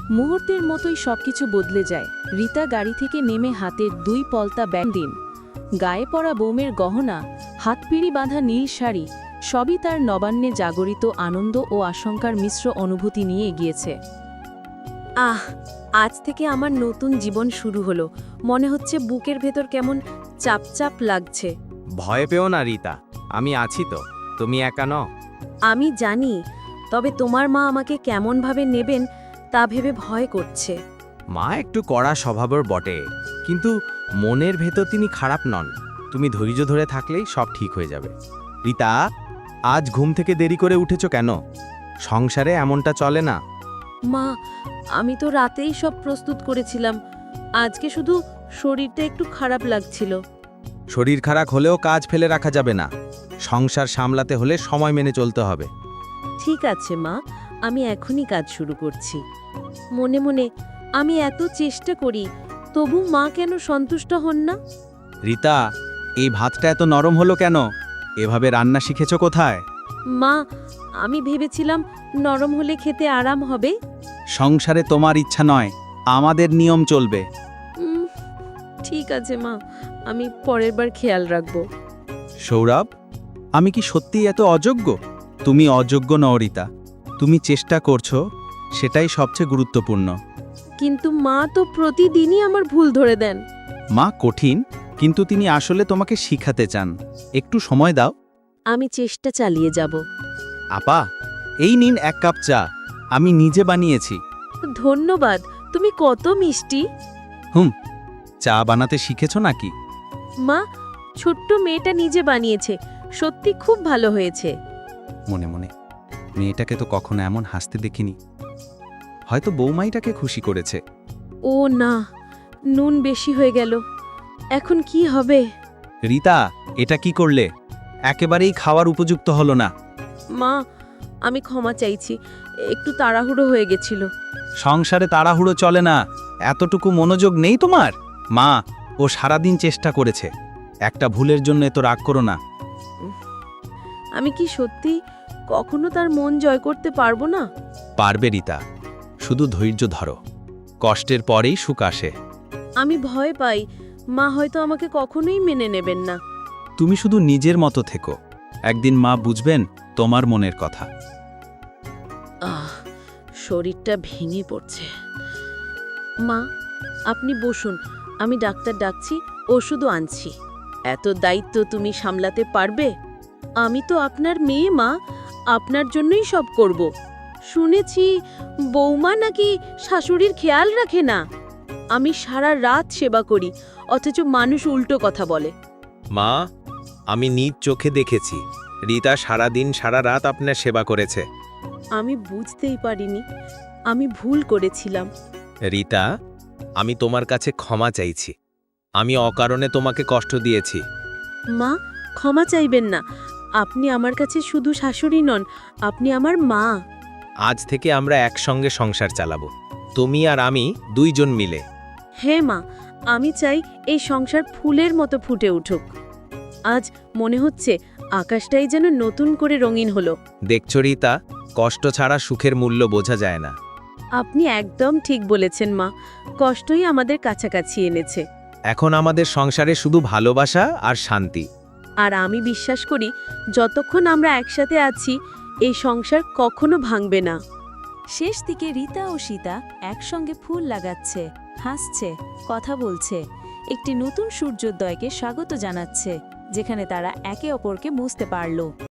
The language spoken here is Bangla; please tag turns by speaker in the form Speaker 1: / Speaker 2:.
Speaker 1: মুহূর্তের মতোই সবকিছু বদলে যায়। রীতা গাড়ি থেকে নেমে হাতের 2 পলতা ব্যাগ দিন, গায়ে পরা বৌমের গহনা, হাতপিড়ি বাঁধা নীল শাড়ি, সবই তার নবান্নে জাগরিত আনন্দ ও আশঙ্কার মিশ্র অনুভূতি নিয়ে এগিয়েছে। আজ থেকে আমার নতুন জীবন শুরু হলো। মনে হচ্ছে বুকের ভেতর কেমন চাপচাপ লাগছে।
Speaker 2: ভয় পেও না রীতা, আমি আছি তো, তুমি একা নও।
Speaker 1: আমি জানি, তবে তোমার মা আমাকে কেমনভাবে নেবেন তা ভেবে ভয় করছে।
Speaker 2: মা একটু কড়া স্বভাবের বটে, কিন্তু মনের ভেতর তিনি খারাপ নন। তুমি ধৈর্য ধরে থাকলেই সব ঠিক হয়ে যাবে। রীতা, আজ ঘুম থেকে দেরি করে উঠেছ কেন? সংসারে এমনটা চলে না।
Speaker 1: মা, আমি তো রাতেই সব প্রস্তুত করেছিলাম। আজকে শুধু শরীরটা একটু খারাপ লাগছিল।
Speaker 2: শরীর খারাপ হলেও কাজ ফেলে রাখা যাবে না। সংসার সামলাতে হলে সময় মেনে চলতে হবে।
Speaker 1: ঠিক আছে মা, আমি এখনই কাজ শুরু করছি। মনে মনে আমি এত চেষ্টা করি, তবু মা কেন সন্তুষ্ট হন না?
Speaker 2: রীতা, এই ভাতটা এত নরম হলো কেন? এভাবে রান্না শিখেছ কোথায়?
Speaker 1: মা, আমি ভেবেছিলাম নরম হলে খেতে আরাম হবে।
Speaker 2: সংসারে তোমার ইচ্ছা নয়, আমাদের নিয়ম চলবে।
Speaker 1: ঠিক আছে মা, আমি পরের বার খেয়াল রাখব।
Speaker 2: সৌরভ, আমি কি সত্যিই এত অযোগ্য? তুমি অযোগ্য নও রীতা, তুমি চেষ্টা করছো, সেটাই সবচেয়ে গুরুত্বপূর্ণ।
Speaker 1: কিন্তু মা তো প্রতিদিনই আমার ভুল ধরে দেন।
Speaker 2: মা কঠিন, কিন্তু তিনি আসলে তোমাকে শিখাতে চান। একটু সময় দাও।
Speaker 1: আমি চেষ্টা চালিয়ে যাব।
Speaker 2: আপা, এই নিন 1 কাপ চা, আমি নিজে বানিয়েছি।
Speaker 1: ধন্যবাদ, তুমি কত মিষ্টি।
Speaker 2: চা বানাতে শিখেছো নাকি?
Speaker 1: মা, ছোট্ট মেয়েটা নিজে বানিয়েছে, সত্যি খুব ভালো হয়েছে।
Speaker 2: মনে মনে, মেয়েটাকে তো কখনো এমন হাসতে দেখিনি। হয়তো বৌমাইটাকে খুশি করেছে।
Speaker 1: ও না, নুন বেশি হয়ে গেল। এখন কি হবে?
Speaker 2: রীতা, এটা কি করলে? একেবারেই খাওয়ার উপযুক্ত হলো না।
Speaker 1: মা, আমি ক্ষমা চাইছি, একটু তাড়াহুড়ো হয়ে গেছিল।
Speaker 2: সংসারে তাড়াহুড়ো চলে না। এতটুকু মনোযোগ নেই তোমার? মা, ও সারাদিন চেষ্টা করেছে, একটা ভুলের জন্য এত রাগ করো না।
Speaker 1: আমি কি সত্যি কখনো তার মন জয় করতে পারবো না?
Speaker 2: পারবে রীতা, শুধু ধৈর্য ধরো। কষ্টের পরেই সুখ আসে।
Speaker 1: আমি ভয় পাই, মা হয়তো আমাকে কখনোই মেনে নেবেন না।
Speaker 2: তুমি শুধু নিজের মতো থেকো, একদিন মা বুঝবেন তোমার মনের কথা।
Speaker 1: শরীরটা ভেঙে পড়ছে। মা, আপনি বসুন, আমি ডাক্তার ডাকছি, ওষুধও আনছি। এত দায়িত্ব তুমি সামলাতে পারবে? আমি তো আপনার মেয়ে মা, আপনার জন্যই সব করব। শুনেছি বৌমা নাকি শাশুড়ির খেয়াল রাখে না। আমি সারা রাত সেবা করি, অথচ মানুষ উল্টো কথা বলে।
Speaker 2: মা, আমি নিজ চোখে দেখেছি, রীতা সারাদিন সারা রাত আপনার সেবা করেছে।
Speaker 1: আমি বুঝতেই পারিনি, আমি ভুল করেছিলাম।
Speaker 2: রীতা, আমি তোমার কাছে ক্ষমা চাইছি। আমি অকারণে তোমাকে কষ্ট দিয়েছি।
Speaker 1: মা, ক্ষমা চাইবেন না। আপনি আমার কাছে শুধু শাশুড়ি নন, আপনি আমার মা।
Speaker 2: আজ থেকে আমরা একসঙ্গে সংসার চালাবো, তুমি আর আমি 2 জন মিলে।
Speaker 1: হ্যাঁ মা, আমি চাই এই সংসার ফুলের মতো ফুটে উঠুক। আজ মনে হচ্ছে আকাশটাই যেন নতুন করে রঙিন হলো।
Speaker 2: দেখছো রীতা, কষ্ট ছাড়া সুখের মূল্য বোঝা যায় না।
Speaker 1: আপনি একদম ঠিক বলেছেন মা, কষ্টই আমাদের কাছাকাছি এনেছে।
Speaker 2: এখন আমাদের সংসারে শুধু ভালোবাসা আর শান্তি।
Speaker 1: আর আমি বিশ্বাস করি, যতক্ষণ আমরা একসাথে আছি, এই সংসার কখনো ভাঙবে না।
Speaker 3: শেষ দিকে রীতা ও সীতা একসঙ্গে ফুল লাগাচ্ছে, হাসছে, কথা বলছে, একটি নতুন সূর্যোদয়কে স্বাগত জানাচ্ছে, যেখানে তারা একে অপরকে বুঝতে পারল।